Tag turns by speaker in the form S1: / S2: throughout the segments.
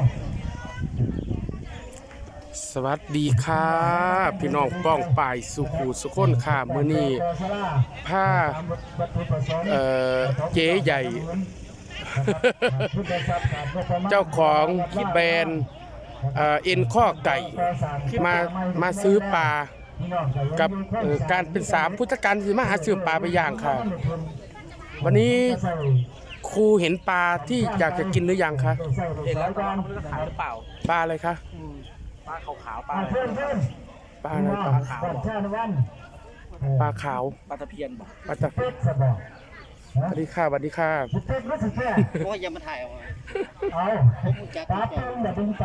S1: สวัสดีค่ะพี่น้องป้องป่ายสุขูสุขนค่ะมื้อนี้ผ้าเจ๊ใหญ่ เจ้าของแบรนด์เอ็นข้อไก่มาซื้อปลากับการเป็น3พุทธการที่มาหาซื้อปลาไปย่างค่ะวันนี้ครูเห็นปลาที่อยากจะกินหรือยังคะ
S2: เห็นแล้วก็ไม่รู้จะขายหรือเปล่า
S1: ปลาอะไรคะ
S2: ปลาขาวๆปลาอะไร
S1: ปลาอะไรปลาขาวปลาขาว
S2: ปลาตะเพียนบอก
S1: ปลาตะเพียนสวัสดีค่ะสวัสดีค่ะ
S2: เพราะว่ายังมาถ่ายเอาปลาตึง
S3: แบบดึงใจ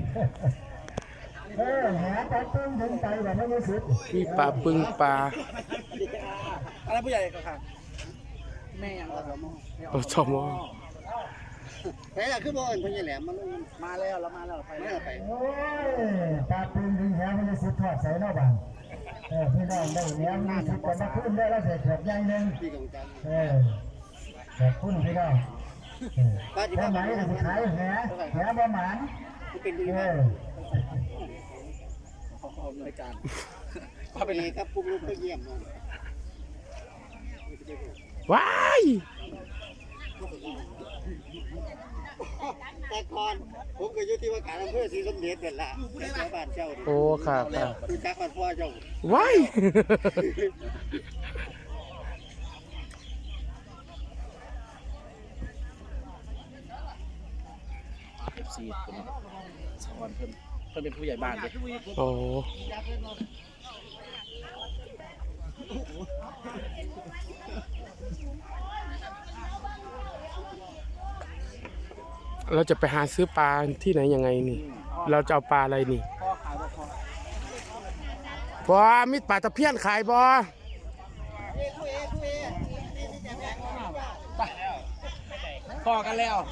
S3: แหปลาตึงดึงใจแบบไม่รู้สึก
S1: นี่ปลาปึงปลา
S2: อะไรผู้ใหญ่ก็ค่ะแม่ยัง
S1: สมอ
S2: แต่อยากขึ้นบนพญาแหลมมันมาแล้วเรามาแล้วไปแล้วไป
S3: ปลาตึงดึงแหไม่รู้สึกทอดใส่นอกบ้านพี่น้องได้เลี้ยงมีสิบคนมาขึ้นได้แล้วเสร็จแบบใหญ่หนึ่งแบบขึ้นพี่น้องแค่ไหนจะขายแหประมาณ
S2: เป็นดีมากรายการพาไปไหนครับปุ๊บลูกก็เยี่ยม
S1: ว้าย
S2: แต่ก่อนผมก็อยู่ที่ว่าการอำเภอศรีสมเด็จนั่นแหละแถวบ้านเจ้า
S1: โอ้ค่ะค่ะ
S2: ดูจักบ้านพ่อเจ้า
S1: ว้าย
S2: FC คนสอนเพิ่นเป็นผู้ใหญ่บ้านเลย
S1: โอ้เราจะไปหาซื้อปลาที่ไหนยังไงนี่เราจะเอาปลาอะไรนี่พอมีปลาตะเพียนขายบ่
S2: พอกันแล้ว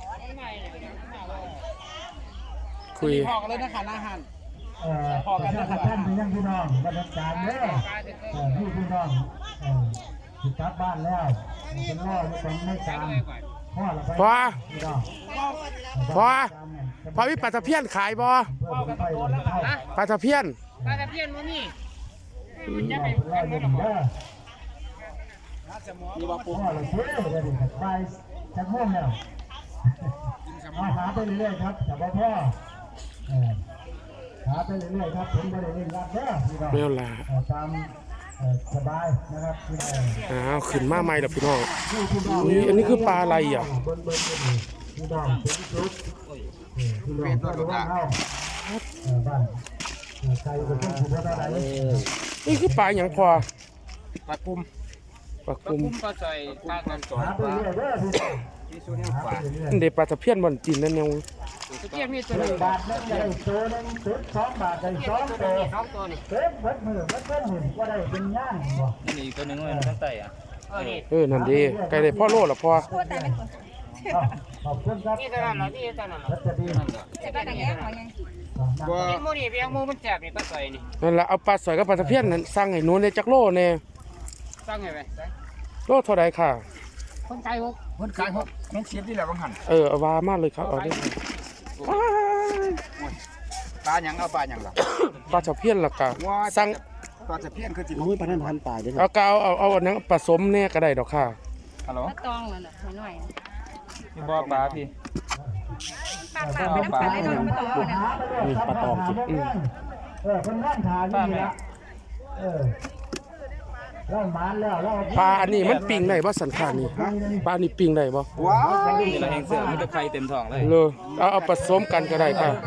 S1: คุย
S2: พอกันเลยนะคะอาหาร
S3: พอกันนะครับท่านพี่น้องบรรยากาศเด้อพี่น้องติดกลับบ้านแล้วเป็นล่ออยู่ตรงในกลาง
S1: พอมีปลาตะเพียนขายบ่ปลาตะเพียน
S4: มั้งนี่
S3: จะไป
S2: นี่ว่าปุ๊บ
S3: ไปจะง่วงแล้วมาหาไปเรื่อยๆครับจับพ่อหาไปเรื่อยๆครับผมไม่ได้เล่นรัดเด้อ
S1: ไม่เอาละ
S3: ตามสบายนะครับ
S1: ขึ้นมาใหม่แล้วพี่น้องนี่อันนี้คือปลาอะไรอ่ะ
S3: เป็นตัวบ้านใครก็ต้องถือว่าอะไร
S1: นี่คือปลาอย่างพอ
S2: ปลากุ้ม
S1: ปลากุ้ม
S2: ปลาใส่ปลากันสอนปลาที่ส่วนนี้ปลา
S1: เด็กปลาตะเพียนบนจีนนั่นยัง
S4: ตะเพียนมีตัวนึง
S3: บาทนึงได้ตัวนึงตัว2 บาทได้2 ตัวนี่เบิดมือว่าได้เป็นย่างบ่
S2: นี่ตัวนึงมันตั้งใจอ่ะ
S1: นั่นดีไก่ได้พ่อโลละพ่อ
S3: ขอบคุณครับ
S4: นี่ตัวนั้นเหรอนี่ตัวนั้นเหรอจะไปทางไหนขอยังนี่มูนี่เพียงมูมันแจกนี่ปลาใส่นี่
S1: นั่นแหละเอาปลาสวยกับปลาตะเพียนนั่นสั่งให้หนูในจักโลเนี่ย
S4: สั่งไงไป
S1: โลเท่าไรค่ะ
S4: คนขาย
S2: 6น้องเสียบที่แล้วบางหัน
S1: เอาวามากเลยครับเอาได้
S2: ปลาหยังเอาปลาหยังล่ะ
S1: ปลาตะเพียนล่ะกะสั่ง
S2: ปลาตะเพียนคือจิ๋วปลาท่านปลาด้วย
S1: เอาเกาเอาอันนั้นผสมเนี่ยก็ได้ดอกค่ะ
S2: ฮัลโหล
S4: ตองเลยหน่อย
S2: พี่บ่ปลาพี่
S4: ปลาไม่ต้องปลาเลยน้องไม่ต้อง
S1: นี่ปลาตองจิ
S3: คนนั่งทานนี่ละ
S1: ปลาอันนี้มันปิ้งได้บ่สันขานี่ปลานี่ปิ้งได้บ่
S2: ว้าวนี่เราแหงเสือมันจะไข่เต็มท้องเลย
S1: เลยเอาผสมกันก็ได้ค่ะ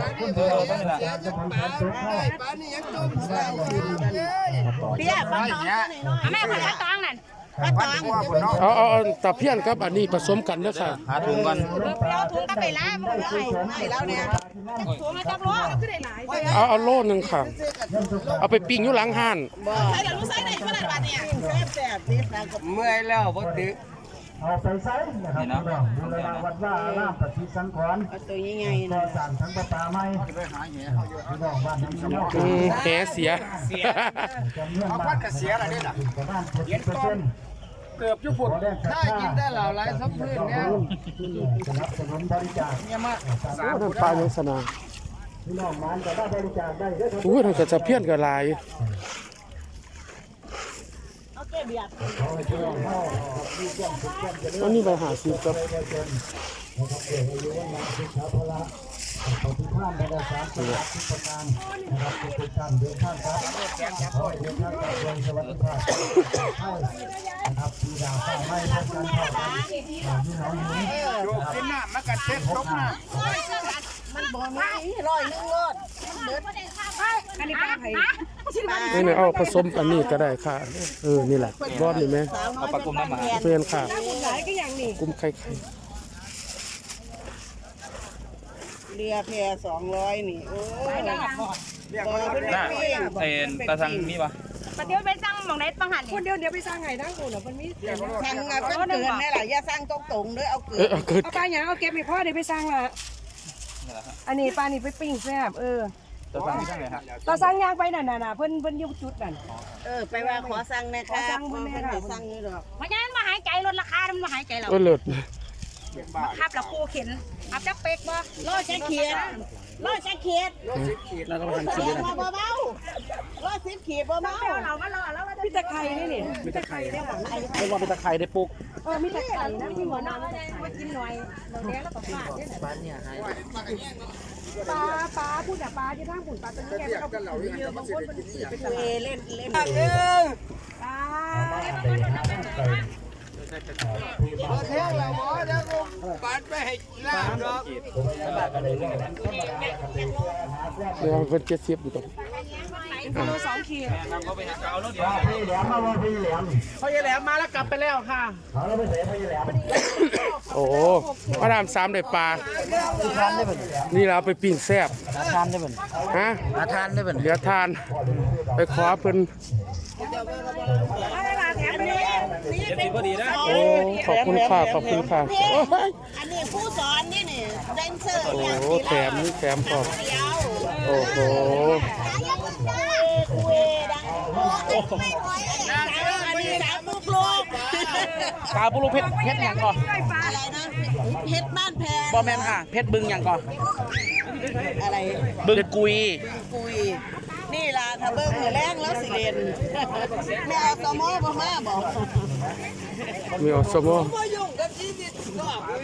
S4: เบี้ยปลาตองแม่ปลาตองนั่น
S1: เอาตะเพียนครับอันนี้ผสมกันเด้อค่ะ
S2: หาถุงกัน
S4: เอาถุงก็ไปล้างมันให้แล้วเนี่ยถุงมาจับโลก็ได้หลาย
S1: เอาโลนึงค่ะเอาไปปิ้งอยู่หลังห้าน
S4: ใส่แล้วรู้ใส่ได้ขนาดวันเนี่ยแซ่บนี่
S2: เมื่อยแล้วบ่ตึก
S3: เอาไปใส่นะครับดูแลวัดว่าล่ามปฏิสังขรณ์
S4: ตัวยังไง
S3: นะสั่งทั้งปลาไม้
S2: ไปหาแหเขาอยู่
S3: พี่น้องบ้านน้ำเนา
S1: ะแหเสีย
S2: เอาพัดกระเสียอะไรนี่ล่ะ
S3: ประมาณ70%
S4: เกือบยุบฝุ่นถ้ากินได้เหล่าไรสักพื้นเนี่ย
S3: สนับสนุนบริจาค
S4: เนี่ยมา
S1: โอ้นั่นปลายังสนา
S3: พี่น้องมันก็ได้บริจาคได้เด้อ
S1: โอ้ยนั่นก็จะเพี้ยนกับลาย
S3: ขอให้พี่น้องเข้ามีความสุขความเจริญ
S1: อันนี้ใบหาซื้อครับ
S3: นะครับเดี๋ยวอายุวันนาสุขภาพละขอทุกท่านได้สามสิบทุกประการนะครับทุกท่านเดินทางครับขอให้เดินทางกับความสวัสดิภาพให้นะครับปีดาวฟ้าไม่พบกันเท่ากันพี่น้องนี้
S4: โยกขึ้นหน้ามากัดเช็ดตกหน้า
S5: มันบ่มีร้อยหนึงโลดอันนี้ปลาไผ่
S1: นี่เอาผสมกันนี่ก็ได้ค่ะนี่แหละรอดนี่ไหม
S5: เอาปลากลุ่มน้ำหมา
S1: เพื่อนค่ะ
S5: หลายก็อย่างนี้
S1: กุ้มไข่
S5: เรือแพ200นี่โอ้ยบ่เป็นปิ้ง
S6: เอ็นตาทางนี่ปะ
S7: ประเดี๋ยวไปสั่งหมองไหนบังหัน
S5: คนเดียวไปสร้างไงทั้งคนน่ะมันมีสั่งอ่ะเพิ่นเกินแน่ล่ะอย่าสร้างตรงๆเด้อเอาเกิน
S1: เอาเกิด
S8: เอาปลาอย่างเอาเก็บให้พ่อเดี๋ยวไปสร้างละอันนี้ปลานี่ไปปิ้งแซ่บ
S6: ตาทางนี่ทางไหนฮะ
S8: เราสร้างยางไปน่ะเพิ่นอยุบจุดนั่น
S5: ไปว่าขอสั่งแน่ค่ะ
S8: ขอสั่ง
S5: เพิ่
S8: เพิ่
S5: น
S8: นแน่
S5: ให้
S8: ค่ะ
S5: สั่งนี่ดอก
S7: เพราะฉะนั้นมาหายใจลดราคามันมาหายใจเรา
S1: เลิศ
S7: ขับแล้วครูเข็นอับจักเป็กบ่
S5: โลจะเขียดโลจะเขียด
S6: แล้วก็มาทาง
S5: เขียดบ่เบาโล10ขีดบ่เบา
S7: เรามารอแล้ว
S8: มีตะไคร้นี่มีตะไคร้ได้หรอ
S6: เรียกว่าเป็นตะไคร้ได้ปุ๊ก
S8: มีตะไคร้นะมีหัวนอน
S7: มากินหน่อยเราเลี้ยงแล้วก็ฟาดเนี่ย
S8: ปลาพูดแต่ปลาที่ทางปุ่นปลาตัวนี้แกเอาเยอะบางคนมันสีเป็น
S5: เล่น
S8: ปลา
S4: เที่ยงแล้วหมอเดี๋ยวกูปัดไปให้ล่างเนาะ
S1: เดี๋ยวเพิ่น70อยู่ตรง
S8: กิโล2 ขีด
S3: ว่าพี่แหลมมาว่าพี่แหลม
S4: พ่อใหญ่แหลมมาแล้วกลับไปแล้วค่ะ
S3: เขาเราไปเสียพี่แหลม
S1: โอ้มาดาม3ได้ปลานี่เราไปปิ้งแซ่บ
S6: ทานได้เป็น
S1: ฮะ
S6: ทานได้เป็น
S1: เหลือทาน ไปขอเพิ่น
S8: เอาเวลาแถมไปเลย
S6: เจ็ดสิบพอดีนะ
S1: โอ้ขอบคุณค่ะโอ้ย
S5: อันนี้ผู้สอนนี่แดนเซอร์
S1: โอ้
S5: อย่าง
S1: โห
S5: นี้
S1: แถมนี่แถมพร้อม
S5: เดียว
S1: โอ้โห
S5: คุยดังอันนี้สามลูกลูก
S6: ปลาปุรุเพชรอย่างก่อน
S5: อะไรนะเพชรบ้านแพง
S6: บอแมนค่ะ เพชรบึงอย่างก่อน
S5: อะไร
S6: บึงกุย
S5: คุยนี่ล่ะถ้าเบิ้งมือแรงแล้วสิเรียนไม่เอาตอมอบ่มาบอก
S1: มีอสมอ
S5: บ่ยุ่งกับชีวิตก็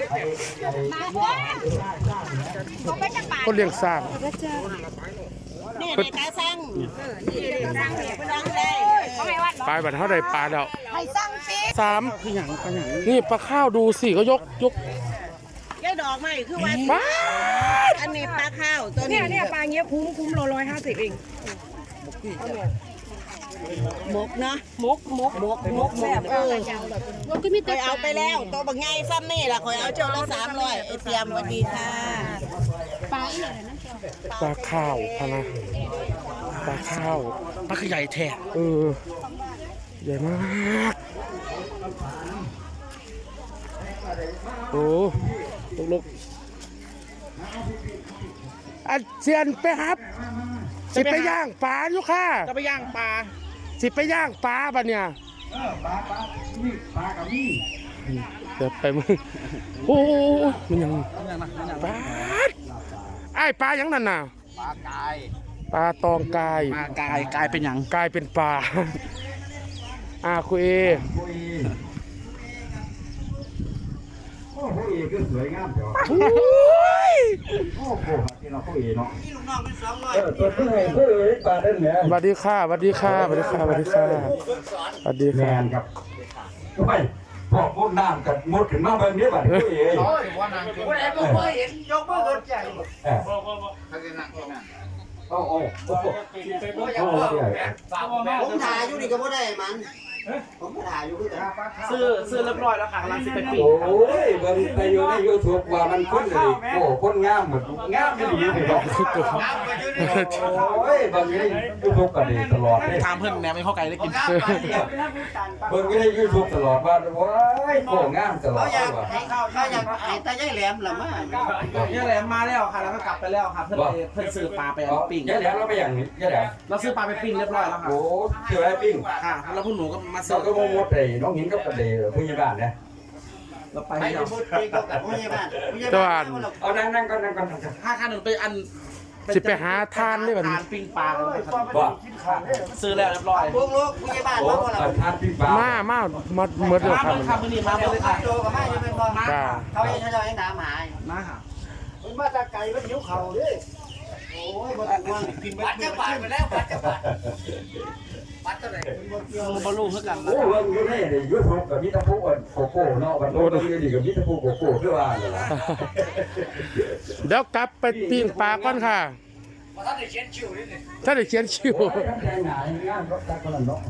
S7: เขาไปจักบาท
S1: คนเลี้ยงสร้าง
S5: นี่ในตาสั่งสั่งได้
S7: เขาไม่วัด
S1: ปลาบัดเท่าใดปลาแล้ว
S5: ให้สั่งสิ
S1: 3คือหยังนี่ปลาข้าวดูสิก็ยก
S5: ยายดอกไม้คือว่า
S1: ปลา
S5: อันนี้ปลาข้าวตัว
S8: เนี่
S5: นี้
S8: ยปลาเงี้ยคุ้มโล150เอง
S5: หมกเนาะ
S8: มกแซ่บ
S5: คอยเอาไปแล้วตัวบางไงซ้ำนี่ล่ะคอยเอาเจ้าละ300ไอเตรียมสวัสดีค่ะ
S1: ปลาข้าวพะนะปลาข้าว
S6: ปลาขยายแท้
S1: ใหญ่มากโอ้ลุกอันเซียนไปครับสิไปย่างปลาอยู่ค่ะ
S6: จะไปย่างปลา
S1: สิไปย่างปลาบัดเนี่ย
S3: ปลานี่ปลากับนี่
S1: เดี๋ยวไปมึงโอ้ยมันยังปลาไอ้ปลายังนั่นน่ะ
S4: ปลากาย
S1: ปลาตองกาย
S6: ปลากายเป็นอย่าง
S1: กลายเป็นปลาคุยเอ
S3: คุยโอ้โหเอคือสวยงามเดี๋ยว
S1: โอ้ย
S3: โอ้โหที่เราคุยเนาะตัวผู้เอผู้เอปลาเด่นเนี่ย
S1: สวัสดีค่ะสวัสดีค่ะสวัสดีค่ะสวัสดีค่ะสวัสดี
S3: แม
S1: ค่ะ
S3: นครับไม่พอมุดน้ำกับมุดขึ้นมาแบบนี้แบบผู้เอ
S4: โอ้ยว่านางกูเองก็เคยเห็นยกมือขึ้นใจ
S3: เขาจะนั่งนั่งโอ้โหโอ้โห
S2: ผมถ่ายอยู่นี่ก็บ่ได้มันผมก็ถ่ายอยู่คือกัน
S6: ซื้อเรียบร้อยแล้วค่ะกำลังจะไปปิ้ง
S3: โอ้ยเบิ่งไปอยู่ในยูทูบว่ามันคนเลยโอ้คนงามหมดงามไม่ดีเลยบอกโอ้ยเบิ่งอยู่ในยูทูบกันเลยตลอดเลย
S6: ถามเพื่อนแหนมไม่เข้าไก่ได้กิน
S3: เบิ่งอยู่ในยูทูบตลอดว่าโอ้ยโอ้งามตลอด
S2: เขาอยาก
S3: ว่า
S2: ให้เขาอยากให้ตายายแหลมล่ะมา
S6: เนี่ยแหลมมาแล้วค่ะแล้วก็กลับไปแล้วค่ะเพื่อนซื้อปลาไปปิ้ง
S3: ยะแหลมเราไปอย่างนี้ยะแหลม
S6: เราซื้อปลาไปปิ้งเรียบร้อยแล้วค่ะ
S3: โอ้เจอไอ้ปิ้ง
S6: ค่ะแล้วพวกหนูก็มา
S3: เราก็มดเลยน้องหินก็ประเดี๋ยวผู้ใหญ่บ้านนะ
S6: เราไป
S2: ไป
S6: ให้
S2: ที่
S6: เรา
S2: พูดคุยกับผู้ใหญ่บ้านผู้ใหญ่
S1: ตะ
S2: บ้า
S1: วัน น
S3: เอานั่งก่อน
S6: 5 1ไปอัน
S1: สิไปหาทานได้บัดนี้
S6: ทานปิ้งปลากันครับ
S3: ว่า
S6: ซื้อแล้วเรียบร้อย
S2: พวกลูกผู้ใหญ่บ้าน
S3: โอ้
S2: มาบ่ล่ะ
S3: ทานปิ้งปลา
S1: มาหมดเลยครับ
S6: มาเลยมาเลยค่ะ
S2: โจกับมาอยู่เป็นบ่มา
S1: จ้า
S2: เขาเองเขาเองถามหา
S6: มาค่ะ
S2: มันมาจากไกลมันหิวเข่าดิโอ้ยบ่ต้องกินบัตรจะบาทไปแล้วบัตรจะบาทบัตรเท่าไหร่
S6: บอลลูนเท่ากัน
S3: โอ้ว่าอยู่นี่เลยยูทูบกับมิตรภูโกโก้เนาะวันนี้ดีกับมิตรภูโกโก้คือว่าเลยล่ะ
S1: เดี๋ยวกลับไปปิ้งปลาก่อนค่ะ
S2: บ่ทันได้เขียนชื่อเลยนี่
S1: ถ้าได้เขียนชื่อ
S3: โอ้ยทำแรงหนาอย่างงานรถจักรยานเนาะ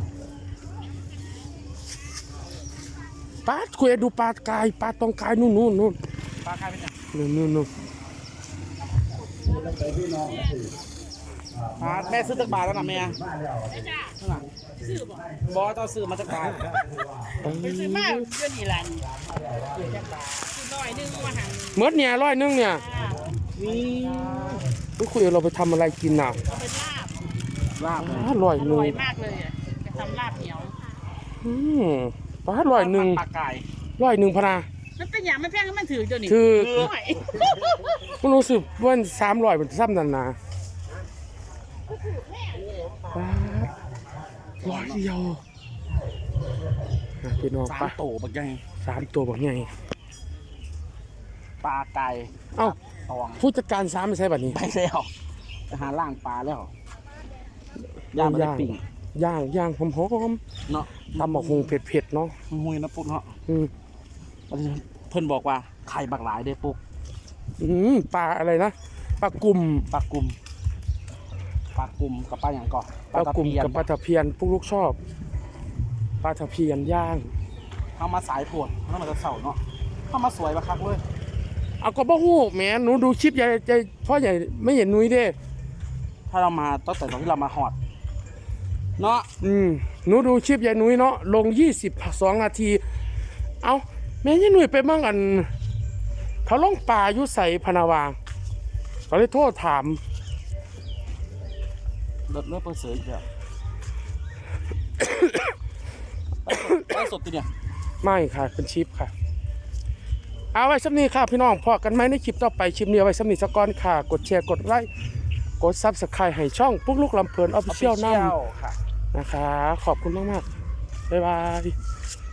S1: ปลาคุยดูปลากายปลาตองกายนู่น
S6: ปลาคายเป็นไง
S1: นู่น
S6: แม่ซื้อตักบาทแล้วนะแม่บอสต้องซื้อมาตักบาท
S7: ซื้อมาเดี๋ยวนี้ล่ะนี่ร้อยหนึงมาหัน
S1: เมื่อเนี่ย100เนี่ยนี่คุยเราไปทำอะไรกินน่ะ
S7: เอาเป็นลาบ
S6: ลาบ
S1: อร่อย
S7: อ
S1: หนึ่
S7: ร่
S1: ง
S7: อยมากเลยอ่ะจะทำลาบเหนียว
S1: ปลา100
S6: ปลาไก่
S1: 100พะนา
S7: มันเป็นอย่างไม่แพงมันถือเดี๋ยวนี้
S1: คือ
S7: หน่อย
S1: มันรู้สึกว่า300เป็นซ้ำนั่นนะปลา100เดียวพี่น้องปลา
S6: 3 โตบักใหญ่
S1: 3ตัวบอกไง
S6: ปลาไก่
S1: เอ้า
S6: ตอง
S1: ผู้จัดการ3ไม่ใช่แบบนี้
S6: ไปแล้วไปหาล่างปลาแล้วย่างไม่ได้ปิ่ง
S1: ย่างหอม
S6: เนาะ
S1: ๆตำหมกฮุงเผ็ดๆเนาะ
S6: หุยนะปุ๊กเนาะ
S1: อืม
S6: เพิ่นบอกว่าไข่บักหลายเด้ปุ๊ก
S1: ปลาอะไรนะปลากุ่ม
S6: ปลากุมกับปลาอย่างก่อน
S1: ปลากุ่มกับปลาตะเพียนพวกลูกชอบปลาตะเพียนย่าง
S6: เข้ามาสายโผดเข้ามาจะเสาเนาะเข้ามาสวยบักคักเว้ย
S1: เอาก็บ่ฮู้แหมหนูดูคลิปใหญ่พ่อใหญ่ไม่เห็นนุ้ยเด้
S6: ถ้าเรามาตั้งแต่ตอนที่เรามาหอดเนาะ
S1: หนูดูคลิปใหญ่นุ้ยเนาะลง22นาทีเอาแม่ยายนุ้ยไปมั่งอันเขาลงป่าอยู่ใส่พนาวาเขาเลยโทษถาม
S6: เลือดเปิดเสืออีกแล้วไล่สดติเนี่ย
S1: ไม่ค่ะเป็นชิปค่ะเอาไว้สำนีค่ะพี่น้องพอกันไหมในคลิปต่อไปคลิปนี้เอาไว้สำนีสกอนค่ะ กดแชร์กดไลค์กดซับสไครต์ให้ช่องปุ๊กลุกลำเพลินออฟฟิเชียลนั่น
S6: ค่ะ
S1: นะคะขอบคุณมากๆบ๊ายบาย